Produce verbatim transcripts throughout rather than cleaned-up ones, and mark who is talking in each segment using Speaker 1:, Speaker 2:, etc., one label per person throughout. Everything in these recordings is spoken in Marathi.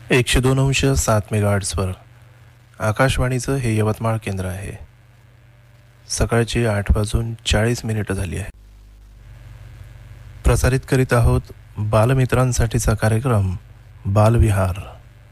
Speaker 1: एकशे दोन अंश सात मेगाहर्ट्झवर आकाशवाणीचं हे यवतमाळ केंद्र आहे. सकाळची आठ वाजून चाळीस मिनिटं झाली आहे. प्रसारित करीत आहोत बालमित्रांसाठीचा कार्यक्रम बालविहार.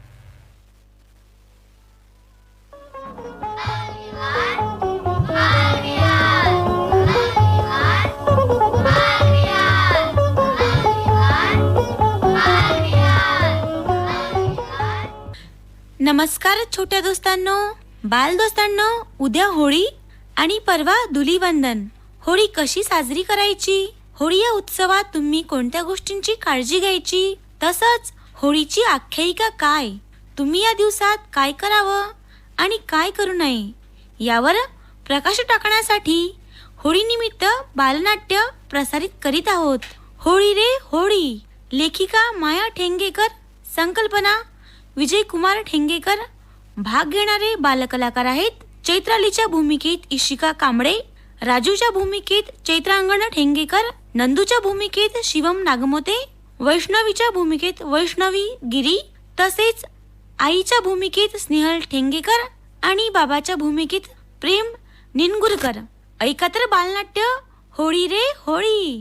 Speaker 2: नमस्कार छोट्या दोस्तांनो, बाल दोस्तांनो. उद्या होळी आणि परवा धुलीवंदन. होळी कशी साजरी करायची, होळी या उत्सवात तुम्ही कोणत्या गोष्टींची काळजी घ्यायची, तसंच होळीची आख्यायिका काय, तुम्ही या दिवसात काय करावं आणि काय करू नये यावर प्रकाश टाकण्यासाठी होळीनिमित्त बालनाट्य प्रसारित करीत आहोत. होळी रे होळी, लेखिका माया ठेंगेकर, संकल्पना विजय कुमार ठेंगेकर. भाग घेणारे बालकलाकार आहेत चैत्रालीच्या भूमिकेत इशिका कांबळे, राजूच्या भूमिकेत चैत्रांगण ठेंगेकर, नंदूच्या भूमिकेत शिवम नागमोते, वैष्णवीच्या भूमिकेत वैष्णवी गिरी, तसेच आईच्या भूमिकेत स्नेहल ठेंगेकर आणि बाबाच्या भूमिकेत प्रेम निनगुरकर. ऐका तर बालनाट्य होळी रे होळी.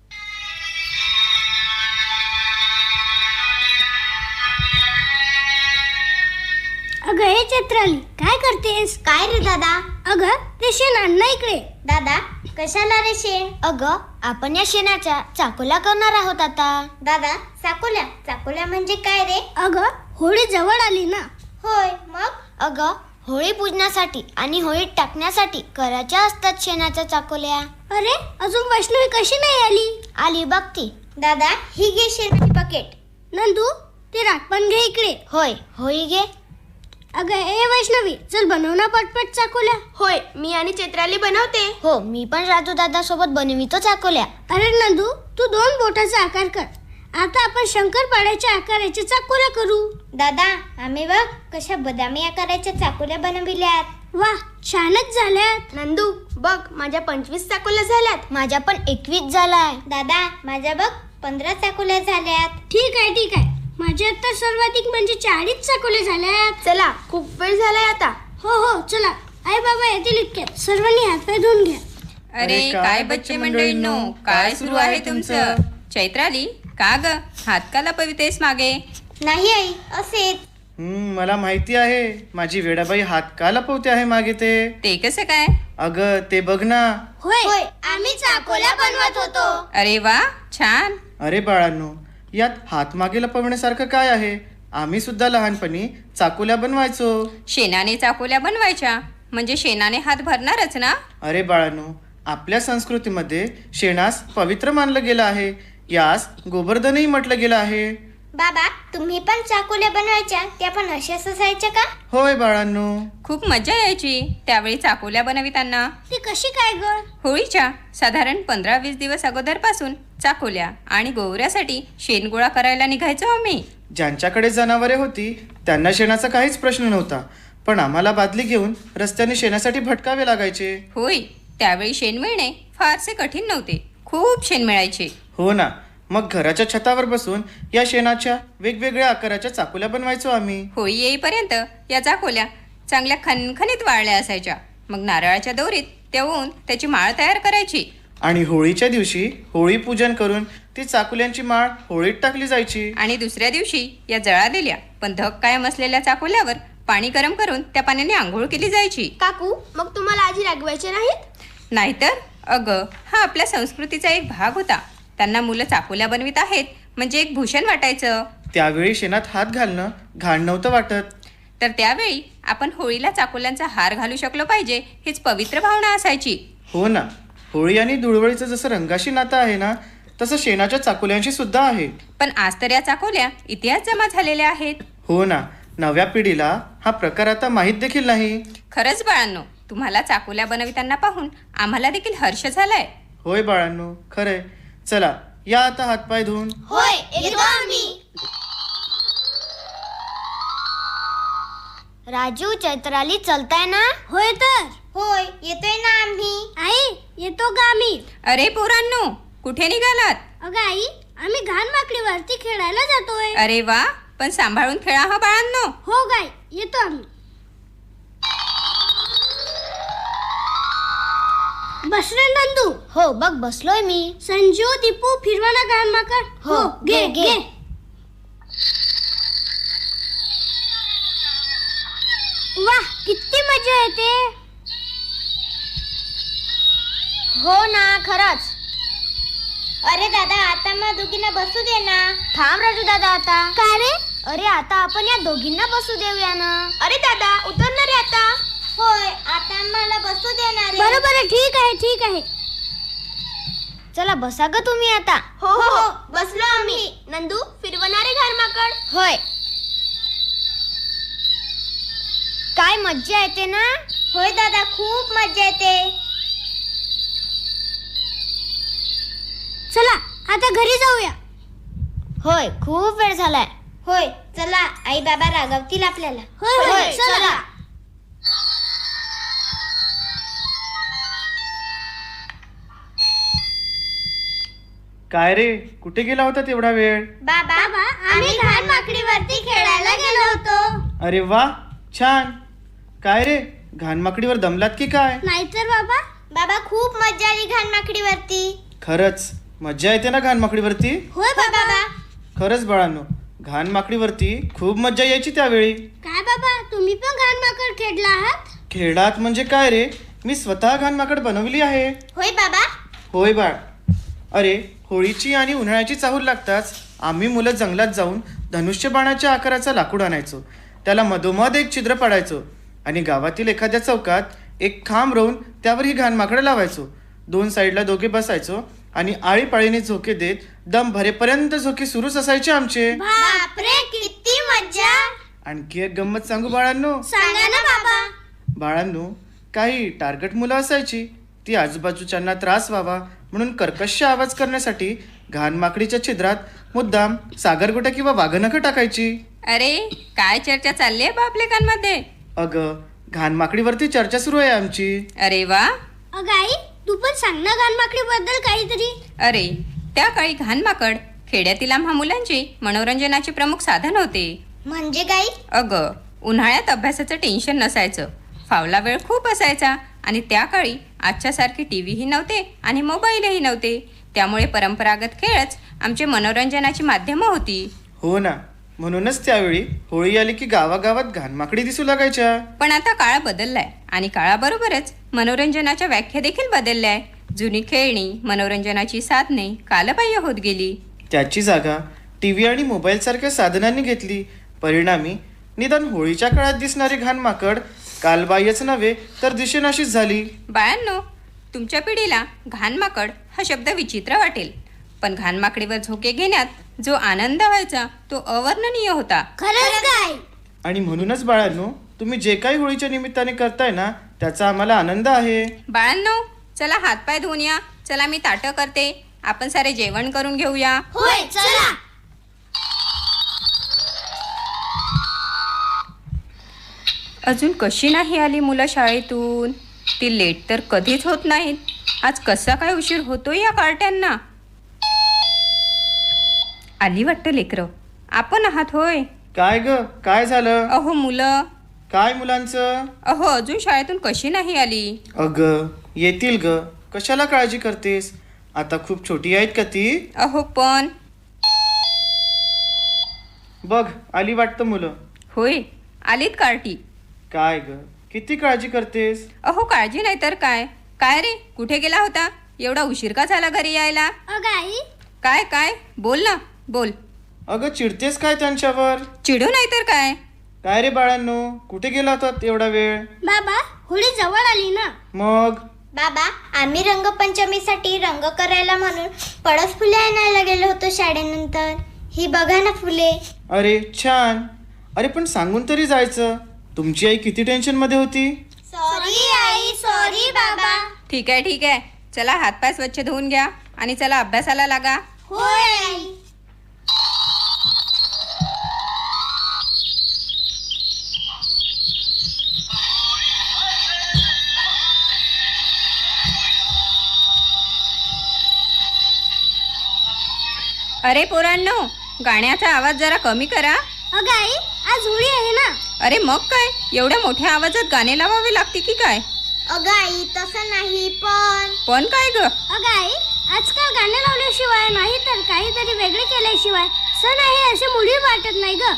Speaker 3: अगं हे चैत्राली, काय करतेस?
Speaker 4: काय रे दादा?
Speaker 3: अगं ते शेण आण ना इकडे.
Speaker 4: दादा कशाला रे शेण? अगं आपण या शेणाच्या चाकोल्या करणार आहोत आता. दादा चाकोल्या चाकोल्या म्हणजे काय रे?
Speaker 3: अगं होळी जवळ आली ना.
Speaker 4: होय मग? अगं होळी पूजण्यासाठी आणि होळीत टाकण्यासाठी करायच्या असतात शेणाच्या चाकोल्या.
Speaker 3: अरे अजून वैष्णवी कशी नाही आली?
Speaker 4: आली बघती. दादा ही घे शेणाची बकेट.
Speaker 3: नंदू ते राखपण घे इकडे.
Speaker 4: होय होळी घे.
Speaker 3: अगं ए वैष्णवी, चल बनव ना पटपट चाकोल्या.
Speaker 4: होय मी आणि चैत्राली बनवते. हो मी पण राजू दादा सोबत बनवितो चाकोल्या.
Speaker 3: अरे नंदू तू दोन बोटाचा आकार कर. आता आपण शंकरपाळ्याच्या आकाराच्या चाकोल्या करू.
Speaker 4: दादा आम्ही बघ कशा बदामी आकाराच्या चाकोल्या बनविल्यात.
Speaker 3: वा छानच झाल्यात.
Speaker 4: नंदू बघ माझ्या पंचवीस चाकोल्या झाल्यात. माझ्या पण एकवीस झालाय. दादा माझ्या बघ पंधरा चाकोल्या झाल्यात.
Speaker 3: ठीक आहे ठीक आहे, माझ्या तर सर्वाधिक म्हणजे चाळीस चाकोल्या झाल्यात.
Speaker 4: चला खूप वेळ झालाय आता.
Speaker 3: हो हो चला, आई बाबा येतील इतक्यात, सर्वांनी हातपाय धुवून घ्या.
Speaker 5: अरे काय बच्चे मंडळींनो, काय सुरू आहे तुमचं? चैत्राली का ग हात का लपवितेस मागे?
Speaker 4: नाही आई असेच.
Speaker 6: हम्म मला माहिती आहे माझी वेडाबाई हात का लपवते आहे मागे ते.
Speaker 5: ते कसं काय?
Speaker 6: अगं ते बघ ना.
Speaker 3: होय
Speaker 4: होय आम्ही चाकोल्या बनवत होतो.
Speaker 5: अरे वा छान.
Speaker 6: अरे बाळांनो, यात हात मागे लपवण्यासारखं काय आहे? आम्ही सुद्धा लहानपणी चाकोल्या बनवायचो.
Speaker 5: शेणाने चाकोल्या बनवायच्या म्हणजे शेणाने हात भरणारच ना.
Speaker 6: अरे बाळांनो, आपल्या संस्कृतीमध्ये शेणास पवित्र मानलं गेलं आहे. यास गोवर्धनही म्हटलं गेलं आहे.
Speaker 4: बाबा तुम्ही पण चाकोल्या बनवायच्या, त्या पण अशाच असायच्या का?
Speaker 6: होय बाळांनो.
Speaker 5: खूप मजा यायची त्यावेळी चाकोल्या बनविताना.
Speaker 3: ती कशी काय ग?
Speaker 5: होळीच्या साधारण पंधरा वीस दिवस अगोदरपासून चाकोल्या आणि गोवऱ्यासाठी शेण गोळा करायला निघायचो आम्ही.
Speaker 6: ज्यांच्याकडे जनावरे होती त्यांना शेणाचा काहीच प्रश्न नव्हता, पण आम्हाला बादली घेऊन रस्त्याने शेणासाठी भटकावे लागायचे.
Speaker 5: होय त्यावेळी शेण मिळणे फारसे कठीण नव्हते, खूप शेण मिळायचे.
Speaker 6: हो ना, मग घराच्या छतावर बसून या शेणाच्या वेगवेगळ्या आकाराच्या चाकोल्या बनवायचो आम्ही.
Speaker 5: होळी येईपर्यंत या चाकोल्या चांगल्या खणखणीत वाळल्या असायच्या. मग नारळाच्या दोरीत तेवून त्याची माळ तयार करायची
Speaker 6: आणि होळीच्या दिवशी होळी पूजन करून ती चाकोल्यांची माळ होळीत टाकली जायची.
Speaker 5: आणि दुसऱ्या दिवशी या जळालेल्या पण धग कायम असलेल्या चाकोल्यावर पाणी गरम करून त्या पाण्याने आंघोळ केली जायची.
Speaker 4: काकू मग तुम्हाला आजी रागवायचे नाहीत?
Speaker 5: नाहीतर अगं हा आपल्या संस्कृतीचा एक भाग होता. त्यांना मुलं चाकोल्या बनवित आहेत म्हणजे एक भूषण वाटायचं.
Speaker 6: त्यावेळी शेणात हात घालणं घाण नव्हतं वाटत.
Speaker 5: तर त्यावेळी आपण होळीला चाकोल्यांचा हार घालू शकलो पाहिजे हीच पवित्र भावना असायची.
Speaker 6: हो ना, होळी आणि धुळवळीचं जसं रंगाशी नातं आहे ना, तसं शेणाच्या चाकोल्यांशी सुद्धा आहे.
Speaker 5: पण आज तर या चाकोल्या इतिहास जमा झालेल्या आहेत.
Speaker 6: हो ना, नव्या पिढीला हा प्रकार आता माहीत देखील नाही.
Speaker 5: खरंच बाळांनो, तुम्हाला चाकोल्या बनविताना पाहून आम्हाला देखील हर्ष झालाय.
Speaker 6: होय बाळांनो, खरंय. चला या आता हातपाय धुवून.
Speaker 4: होय येतो आम्ही. राजू चैत्राली चलताय ना?
Speaker 3: होय तर.
Speaker 4: होय येतोय ना आम्ही.
Speaker 3: आई येतो ग आम्ही.
Speaker 5: अरे पोरांनो, कुठे निघालात?
Speaker 3: अगं आई, आम्ही घाण माकडीवरती खेळायला जातोय.
Speaker 5: अरे वा पण सांभाळून खेळा हा बाळांनो.
Speaker 3: हो गाई, येतो आम्ही. बस रे नंदू.
Speaker 4: हो बघ बसलोय मी.
Speaker 3: संजू, दीपू, फिरवा ना घाण माकड.
Speaker 4: हो, घे, घे.
Speaker 3: वाह, किती मजा येते.
Speaker 4: हो ना, खरंच. अरे दादा, आता मग दोघींना बसू दे ना. थांब राजू दादा आता.
Speaker 3: का रे?
Speaker 4: अरे आता आपण या दोघींना बसू देऊया ना. अरे दादा, उतरणार रे आता. होय, आता मला बसू देणार.
Speaker 3: बरं बरं, ठीक आहे ठीक आहे.
Speaker 4: चला बसा ग तुम्ही आता. हो हो, बसलो आम्ही. नंदू, फिरवणारे घरमाकड. होय. काय मज्जा येते ना. होय दादा, खूप मज्जा येते.
Speaker 3: चला आता घरी जाऊया.
Speaker 4: होय, खूप वेळ झालाय. होय, चला, आई बाबा रागवतील आपल्याला.
Speaker 3: होय होय, चला.
Speaker 6: काय रे, कुठे गेला होता तेवढा वेळ?
Speaker 4: बाबा, आम्ही घाण माकडीवरती खेळायला गेलो होतो.
Speaker 6: अरे वा, छान. काय रे, घाणमाकडीवर दमलात की काय?
Speaker 3: नाहीतर बाबा.
Speaker 4: बाबा, खूप मज्जा आली घाण माकडीवरती.
Speaker 6: खरंच मज्जा येते ना घाणमाकडीवरती?
Speaker 3: होय बाबा.
Speaker 6: खरंच बाळांनो, घाणमाकडीवरती खूप मज्जा यायची त्यावेळी.
Speaker 3: काय बाबा, तुम्ही पण घाण माकड खेळला आहात?
Speaker 6: खेळात म्हणजे काय रे, मी स्वतः घाणमाकड बनवली आहे.
Speaker 4: होय बाबा.
Speaker 6: होय बाळ. अरे, होळीची आणि उन्हाळ्याची चाहूल लागताच आम्ही मुलं जंगलात जाऊन धनुष्य बाणाच्या आकाराचा लाकूड आणायचो. त्याला मधोमध एक छिद्र पाडायचो आणि गावातील एखाद्या चौकात एक खांब रोवून त्यावर ही घाणमाकडं लावायचो. दोन साईडला दोघे बसायचो आणि आळीपाळीने झोके देत दम भरेपर्यंत झोके सुरूच असायचे आमचे.
Speaker 4: बापरे, किती मज्जा.
Speaker 6: आणखी एक गंमत सांगू बाळांनो?
Speaker 3: सांगा ना बाबा.
Speaker 6: बाळांनो, काही टार्गेट मुलं असायची. ती आजूबाजूच्यांना त्रास व्हावा म्हणून कर्कश आवाज करण्यासाठी घाणमाकडीच्या छिद्रात मुद्दाम सागरगोट्या किंवा वाघनखं टाकायची.
Speaker 5: अरे, काय चर्चा चालली आहे बापलेकांमध्ये?
Speaker 6: अगं, घाणमाकडीवरती चर्चा सुरू आहे आमची.
Speaker 5: अरे वा.
Speaker 3: अगं आई, तू पण सांग ना घाण माकडी बद्दल काहीतरी.
Speaker 5: अरे, त्या काळी घाणमाकड खेड्यातील आम्हा मुलांची मनोरंजनाचे प्रमुख साधन होते.
Speaker 4: म्हणजे काय?
Speaker 5: अगं, उन्हाळ्यात अभ्यासाचं टेन्शन नसायचं, फावला वेळ खूप असायचा आणि त्या काळी आजच्यासारखे टी व्हीही नव्हते आणि मोबाईलही नव्हते. त्यामुळे परंपरागत खेळच आमचे मनोरंजनाची माध्यमं होती.
Speaker 6: हो ना, म्हणूनच त्यावेळी होळी आली की गावागावात घाणमाकडी दिसू लागायच्या.
Speaker 5: पण आता काळ बदललाय आणि काळाबरोबरच मनोरंजनाच्या व्याख्या देखील बदलल्या आहे. जुनी खेळणी, मनोरंजनाची साधने कालबाह्य होत गेली.
Speaker 6: त्याची जागा टी व्ही आणि मोबाईलसारख्या साधनांनी घेतली. परिणामी निदान होळीच्या काळात दिसणारी घाणमाकड कालबाह्यच नव्हे तर दिशेनाशीच झाली.
Speaker 5: बाळांनो, तुमच्या पिढीला घाणमाकड हा शब्द विचित्र वाटेल, पण घाणमाकडीवर झोके घेण्यात जो आनंद व्हायचा तो अवर्णनीय होता.
Speaker 3: खरंच काय?
Speaker 6: आणि म्हणूनच बाळांनो, तुम्ही जे काही होळीच्या निमित्ताने करताय ना, त्याचा आम्हाला आनंद आहे.
Speaker 5: बाळांनो, चला हातपाय धुवून या. चला, मी ताटं करते, आपण सारे जेवण करून घेऊया.
Speaker 3: होय, चला.
Speaker 5: अजून कशी नाही आली मुलं शाळेतून? ती लेट तर कधीच होत नाहीत. आज कसा काय उशीर होतोय या कार्ट्यांना? आली वाटतं लेकरं. आपण आहात होय?
Speaker 6: काय ग, काय झालं?
Speaker 5: अहो मुलं.
Speaker 6: काय मुलांचं?
Speaker 5: अहो, अजून शाळेतून कशी नाही आली?
Speaker 6: अगं, येतील ग, कशाला काळजी करतेस? आता खूप छोटी आहेत का ती?
Speaker 5: अहो पण.
Speaker 6: बघ, आली वाटतं मुलं.
Speaker 5: होय, आलीत कार्टी.
Speaker 6: काय ग, किती काळजी करतेस?
Speaker 5: अहो, काळजी नाही तर काय. काय रे, कुठे गेला होता? एवढा उशीर का झाला घरी यायला?
Speaker 3: अगं आई.
Speaker 5: काय काय बोल ना, बोल.
Speaker 6: अगं, चिडतेस काय त्यांच्यावर?
Speaker 5: चिडू नाही तर काय.
Speaker 6: काय रे बाळांनो, कुठे गेला होता एवढा वेळ?
Speaker 3: बाबा, होळी जवळ आली ना.
Speaker 6: मग
Speaker 4: बाबा, आम्ही रंगपंचमीसाठी रंग करायला म्हणून पळस फुले आणायला गेलो होतो शाळेनंतर. ही बघा ना फुले.
Speaker 6: अरे छान. अरे पण सांगून तरी जायचं. तुमची आई किती टेन्शन मध्ये होती.
Speaker 4: सॉरी आई, सॉरी बाबा.
Speaker 5: ठीक आहे ठीक आहे, चला हातपाय स्वच्छ धुवून घ्या आणि चला अभ्यासाला लागा.
Speaker 4: होय आई.
Speaker 5: अरे पोरांनो, गाण्याचा आवाज जरा कमी करा.
Speaker 3: अगं आई, आज होळी आहे ना.
Speaker 5: अरे मग काय एवढ्या मोठ्या आवाजात गाणे लावावे लागते की काय?
Speaker 4: अगं आई तसं नाही पण
Speaker 5: पण काय ग?
Speaker 3: अगं आई, आजकाल गाणे लावल्याशिवाय नाही तर काहीतरी वेगळे केल्याशिवाय सण आहे असे मुली वाटत नाही ग.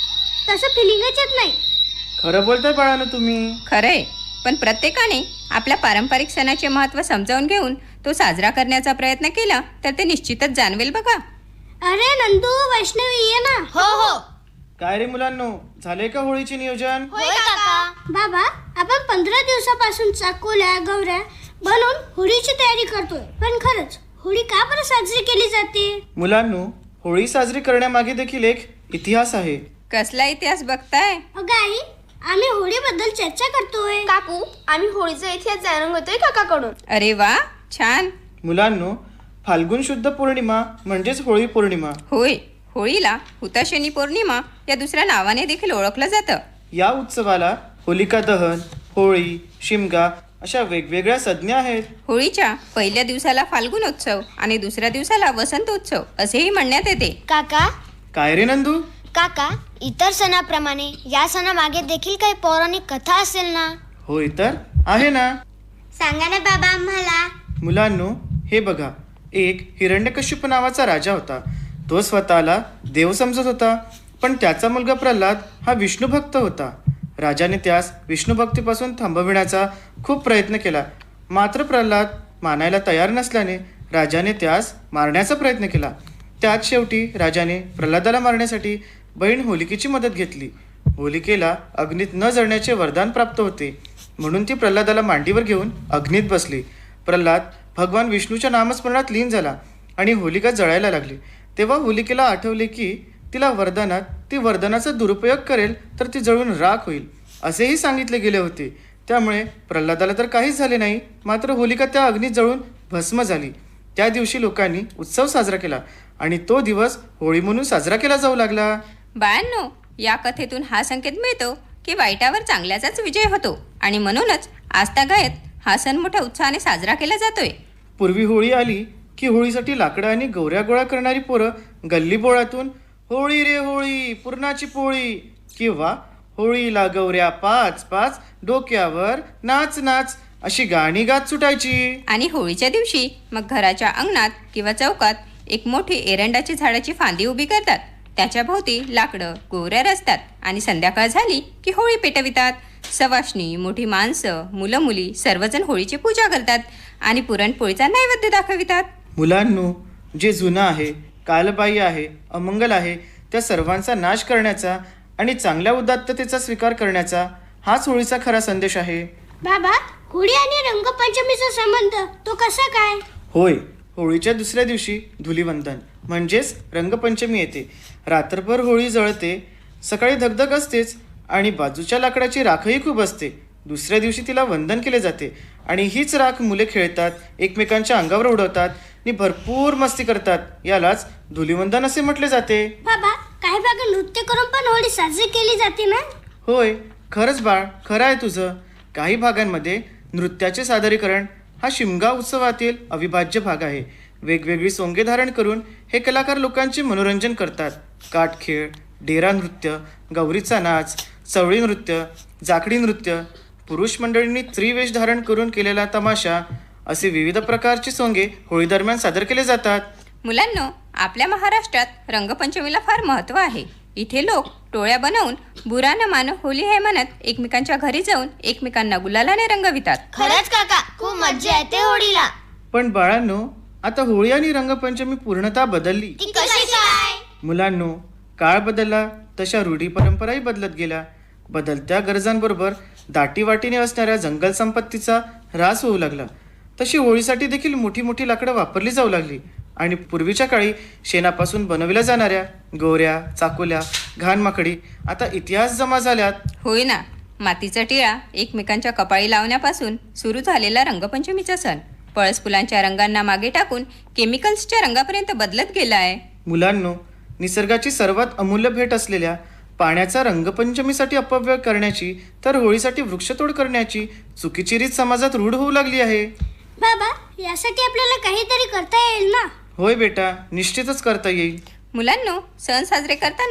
Speaker 3: तसं फिलिंगच येत नाही.
Speaker 6: खरं बोलताय बाळानं तुम्ही.
Speaker 5: खरंय, पण प्रत्येकाने आपल्या पारंपरिक सणाचे महत्त्व समजावून घेऊन तो साजरा करण्याचा प्रयत्न केला तर ते निश्चितच जाणवेल बघा.
Speaker 3: अरे नंदू, वैष्णवी ये ना.
Speaker 4: हो हो
Speaker 6: काय रे मुलांनो, झाले का होळीचे नियोजन?
Speaker 4: होय काका.
Speaker 3: बाबा, आपण पंधरा दिवसापासून चाकोल्या गौऱ्या बनवून होळीची तयारी करतोय. पण खरंच होळी का बरं साजरी केली जाते?
Speaker 6: मुलांनो, होळी साजरी करण्यामागे देखील एक इतिहास आहे.
Speaker 5: कसला इतिहास बघताय?
Speaker 3: अगं आई, आम्ही होळीबद्दल चर्चा करतोय.
Speaker 4: काकू, आम्ही होळीचा इतिहास जाणून घेतोय काकाकडून.
Speaker 5: अरे वा, छान.
Speaker 6: मुलांनो, फाल्गुन शुद्ध पौर्णिमा म्हणजेच होळी पौर्णिमा.
Speaker 5: होय, होळीला हुताशनी पौर्णिमा या दुसऱ्या नावाने देखील ओळखलं जातं.
Speaker 6: या उत्सवाला होलिका दहन, होळी, शिमगा अशा वेगवेगळ्या संज्ञा आहेत.
Speaker 5: होळीच्या पहिल्या दिवसाला फाल्गुनोत्सव आणि दुसऱ्या दिवसाला वसंतोत्सव असेही म्हणण्यात येते.
Speaker 4: काका
Speaker 6: काय रे नंदू?
Speaker 4: काका, इतर सणाप्रमाणे या सणामागे देखील काही पौराणिक कथा असेल ना?
Speaker 6: होय तर आहे ना.
Speaker 4: सांगा ना बाबा आम्हाला.
Speaker 6: मुलांनो, हे बघा, एक हिरण्यकश्यप नावाचा राजा होता. तो स्वतःला देव समजत होता, पण त्याचा मुलगा प्रल्हाद हा विष्णू भक्त होता. राजाने त्यास विष्णू भक्तीपासून थांबविण्याचा खूप प्रयत्न केला. मात्र प्रल्हाद मानायला तयार नसल्याने राजाने त्यास मारण्याचा प्रयत्न केला. त्यात शेवटी राजाने प्रल्हादाला मारण्यासाठी बहीण होलिकेची मदत घेतली. होलिकेला अग्नीत न जळण्याचे वरदान प्राप्त होते, म्हणून ती प्रल्हादाला मांडीवर घेऊन अग्नीत बसली. प्रल्हाद भगवान विष्णूच्या नामस्मरणात लीन झाला आणि होलिका जळायला लागली. तेव्हा होलिकेला आठवले की तिला वरदानात ती वरदानाचा दुरुपयोग करेल तर ती जळून राख होईल असेही सांगितले गेले होते. त्यामुळे प्रल्हादाला तर काहीच झाले नाही, मात्र होलिका त्या अग्नीत जळून भस्म झाली. त्या दिवशी लोकांनी उत्सव साजरा केला आणि तो दिवस होळी म्हणून साजरा केला जाऊ लागला.
Speaker 5: बाळांनो, या कथेतून हा संकेत मिळतो की वाईटावर चांगल्याचाच विजय होतो आणि म्हणूनच आजतागायत हा सण मोठ्या उत्साहाने साजरा केला जातोय.
Speaker 6: पूर्वी होळी आली की होळीसाठी लाकडं आणि गौऱ्या गोळा करणारी पोरं गल्ली बोळातून होळी रे होळी पुरणाची पोळी किंवा होळीला गौऱ्या पाच पाच डोक्यावर नाच नाच अशी गाणी गात सुटायची.
Speaker 5: आणि होळीच्या दिवशी मग घराच्या अंगणात किंवा चौकात एक मोठी एरंडाची झाडाची फांदी उभी करतात. त्याच्या भोवती लाकडं गोवऱ्या रचतात आणि संध्याकाळ झाली की होळी पेटवितात. सवाष्णी, मोठी माणसं, मुलं मुली सर्वजण होळीची पूजा करतात आणि पुरणपोळीचा नैवेद्य दाखवितात.
Speaker 6: मुलांनो, जे जुनं आहे, कालबाह्य आहे, अमंगल आहे त्या सर्वांचा नाश करण्याचा आणि चांगल्या उदात्ततेचा स्वीकार करण्याचा हाच होळीचा खरा संदेश आहे.
Speaker 3: बाबा, होळी आणि रंगपंचमीचा संबंध तो कसा काय?
Speaker 6: होय, होळीच्या दुसऱ्या दिवशी धुलीवंदन म्हणजेच रंगपंचमी येते. रात्रभर होळी जळते, सकाळी धगधग असतेच आणि बाजूच्या लाकडाची राखही खूप असते. दुसऱ्या दिवशी तिला वंदन केले जाते आणि हीच राख मुले खेळतात, एकमेकांच्या अंगावर उडवतात आणि भरपूर मस्ती करतात. यालाच धुलीवंदन असे म्हटले जाते.
Speaker 3: बाबा, काही भागात नृत्य करून पण होळी साजरी केली जाते ना?
Speaker 6: होय, खरंच बाळ, खरं आहे तुझं. काही भागांमध्ये नृत्याचे सादरीकरण हा शिमगा उत्सवातील अविभाज्य भाग आहे. वेगवेगळी सोंगे धारण करून हे कलाकार लोकांचे मनोरंजन करतात. काठखेळ, डेरा नृत्य, गौरीचा नाच, चवळी नृत्य, जाकडी नृत्य, पुरुष मंडळींनी त्रिवेश धारण करून केलेला तमाशा असे विविध प्रकारचे सोंगे होळी दरम्यान सादर केले जातात.
Speaker 5: मुलांनो, आपल्या महाराष्ट्रात रंगपंचमीला फार महत्त्व आहे. इथे लोक टोळ्या बनवून बुरा न मान होली हे म्हणत एकमेकांच्या घरी जाऊन एकमेकांना गुलालाने रंगवितात.
Speaker 4: खरंच काका, खूप मज्जा येते होळीला.
Speaker 6: पण बाळांनो, आता होळी आणि रंगपंचमी पूर्णतः बदलली.
Speaker 4: ती कशी काय?
Speaker 6: मुलांनो, काळ बदलला तशा रूढी परंपराही बदलत गेल्या. बदलत्या गरजांबरोबर दाटीवाटीने असणाऱ्या जंगल संपत्तीचा ऱ्हास होऊ लागला. तशी होळीसाठी देखील मोठी मोठी लाकडं वापरली जाऊ लागली आणि पूर्वीच्या काळी शेणापासून बनवल्या जाणाऱ्या गोऱ्या, चाकोल्या, घाणमाकडी आता इतिहास जमा झाल्यात.
Speaker 5: होय ना, मातीचा टिळा एकमेकांच्या कपाळी लावण्यापासून सुरू झालेला रंगपंचमीचा सण पळस फुलांच्या रंगांना मागे टाकून केमिकल्सच्या रंगापर्यंत बदलत गेला आहे.
Speaker 6: मुलांनो, निसर्गाची सर्वात अमूल्य भेट असलेल्या पाण्याचा रंगपंचमीसाठी अपव्यय करण्याची तर होळीसाठी वृक्षतोड करण्याची चुकीची रीत समाजात रूढ होऊ लागली आहे.
Speaker 3: बाबा, यासाठी आपल्याला काहीतरी करता येईल ना?
Speaker 6: होय बेटा, निश्चितच करता येईल.
Speaker 5: मुलांनो, सण साजरे करताना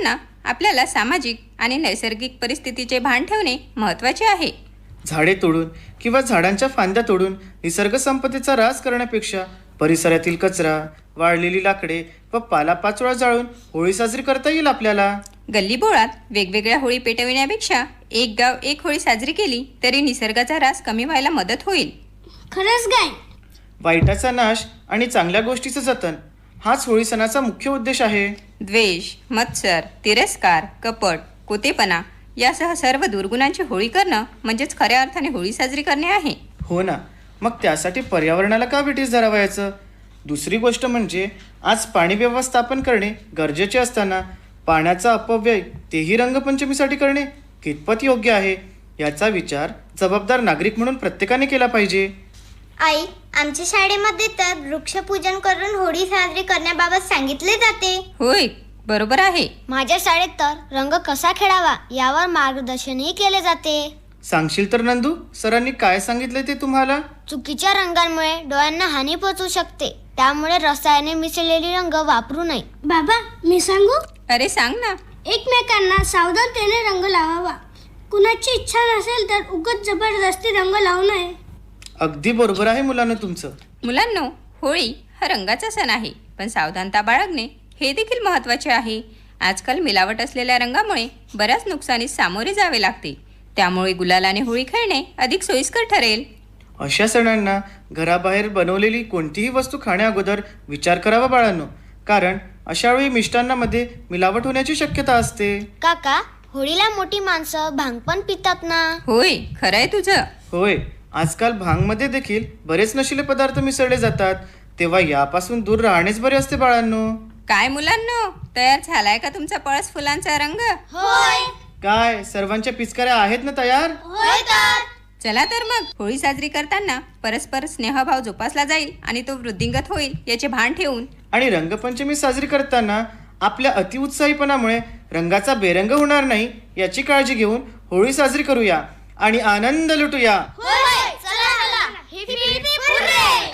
Speaker 5: आपल्याला सामाजिक आणि नैसर्गिक परिस्थितीचे भान ठेवणे महत्त्वाचे आहे.
Speaker 6: झाडे तोडून किंवा झाडांच्या फांद्या तोडून निसर्ग संपत्तीचा ऱ्हास करण्यापेक्षा परिसरातील कचरा, वाळलेली लाकडे व पालापाचोळा जाळून होळी साजरी करता येईल आपल्याला.
Speaker 5: गल्लीबोळात वेगवेगळ्या होळी पेटविण्यापेक्षा एक गाव एक होळी साजरी केली तरी निसर्गाचा ऱ्हास कमी व्हायला मदत होईल.
Speaker 3: खरंच काय?
Speaker 6: वाईटाचा नाश आणि चांगल्या गोष्टीचं जतन हाच होळी सणाचा मुख्य उद्देश आहे.
Speaker 5: द्वेष, मत्सर, तिरस्कार, कपट, कोतेपणा यासह सर्व दुर्गुणांची होळी करणं म्हणजेच खऱ्या अर्थाने होळी साजरी करणे आहे.
Speaker 6: हो ना, मग त्यासाठी पर्यावरणाला का विटीस धरावायचं? दुसरी गोष्ट म्हणजे आज पाणी व्यवस्थापन करणे गरजेचे असताना पाण्याचा अपव्यय तेही रंगपंचमीसाठी करणे कितपत योग्य आहे याचा विचार जबाबदार नागरिक म्हणून प्रत्येकाने केला पाहिजे.
Speaker 4: आई, आमच्या शाळेमध्ये तर वृक्षपूजन करून होळी साजरी करण्याबाबत सांगितले जाते.
Speaker 5: होय, बरोबर आहे.
Speaker 4: माझ्या शाळेत तर रंग कसा खेळावा यावर मार्गदर्शनही केले जाते.
Speaker 6: सांगशील तर नंदू, सरांनी काय सांगितले ते तुम्हाला?
Speaker 4: चुकीच्या रंगांमुळे डोळ्यांना हानी पोहोचू शकते, त्यामुळे रसायने मिसळलेली रंग वापरू नये.
Speaker 3: बाबा, मी सांगू?
Speaker 5: अरे सांग ना.
Speaker 3: एकमेकांना सावधानतेने रंग लावावा. कुणाची इच्छा नसेल तर उगाच जबरदस्ती रंग लावू नये.
Speaker 6: अगदी बरोबर आहे मुलांना तुमचं.
Speaker 5: मुलांनो, होळी हा रंगाचा सण आहे, पण सावधानता बाळगणे हे देखील महत्त्वाचे आहे. आजकाल मिलावट असलेल्या रंगामुळे बऱ्याच नुकसानीस सामोरे जावे लागते. त्यामुळे गुलालाने होळी खेळणे अधिक सोयीस्कर ठरेल.
Speaker 6: अशा सणांना घराबाहेर बनवलेली कोणतीही वस्तू खाण्याअगोदर विचार करावा बाळांनो, कारण अशा वेळी मिष्टान्नामध्ये मिलावट होण्याची शक्यता असते.
Speaker 4: काका, होळीला मोठी माणसं भांग पण पितात ना?
Speaker 5: होय, खरं आहे तुझं.
Speaker 6: होय, आजकाल भांगमध्ये देखील बरेच नशिले पदार्थ मिसळले जातात, तेव्हा यापासून दूर राहणेच बरे असते बाळांनो.
Speaker 5: काय मुलांनो, तयार झालाय का तुमचा पळस फुलांचा रंग?
Speaker 4: होय.
Speaker 6: काय सर्वांच्या पिचकाऱ्या आहेत ना तयार?
Speaker 4: होय तर.
Speaker 5: चला तर मग होळी साजरी करताना परस्पर स्नेहभाव जोपासला जाईल आणि तो वृद्धिंगत होईल याचे भान ठेवून
Speaker 6: आणि रंगपंचमी साजरी करताना आपल्या अतिउत्साहीपणामुळे रंगाचा बेरंग होणार नाही याची काळजी घेऊन होळी साजरी करूया आणि आनंद लुटूया.
Speaker 4: होय, चला चला. Heap heap hurray.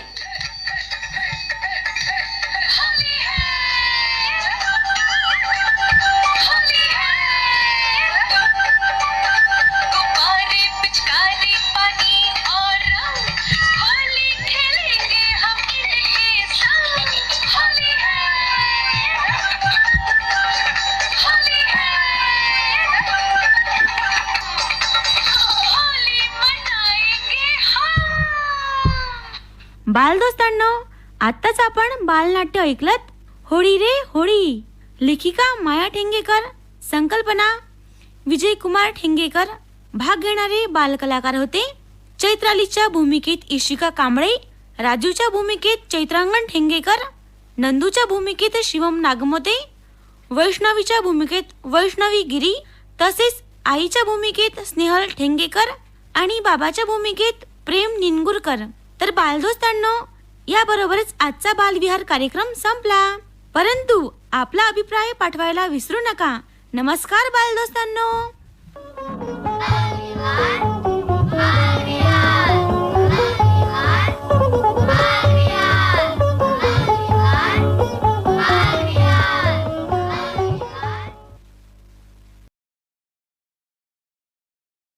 Speaker 2: बालदोस्तांनो, आत्ताच आपण बालनाट्य ऐकलत. होळी रे होळी. लेखिका माया ठेंगेकर, संकल्पना विजय कुमार ठेंगेकर. भाग घेणारे बालकलाकार होते चैत्रालीच्या भूमिकेत इशिका कांबळे, राजूच्या भूमिकेत चैत्रांगण ठेंगेकर, नंदूच्या भूमिकेत शिवम नागमोते, वैष्णवीच्या भूमिकेत वैष्णवी गिरी, तसेच आईच्या भूमिकेत स्नेहल ठेंगेकर आणि बाबाच्या भूमिकेत प्रेम निनगुरकर. तर बालदोस्तांनो, याबरोबरच आजचा बालविहार कार्यक्रम संपला. परंतु आपला अभिप्राय पाठवायला विसरू नका. नमस्कार बालदोस्तांनो.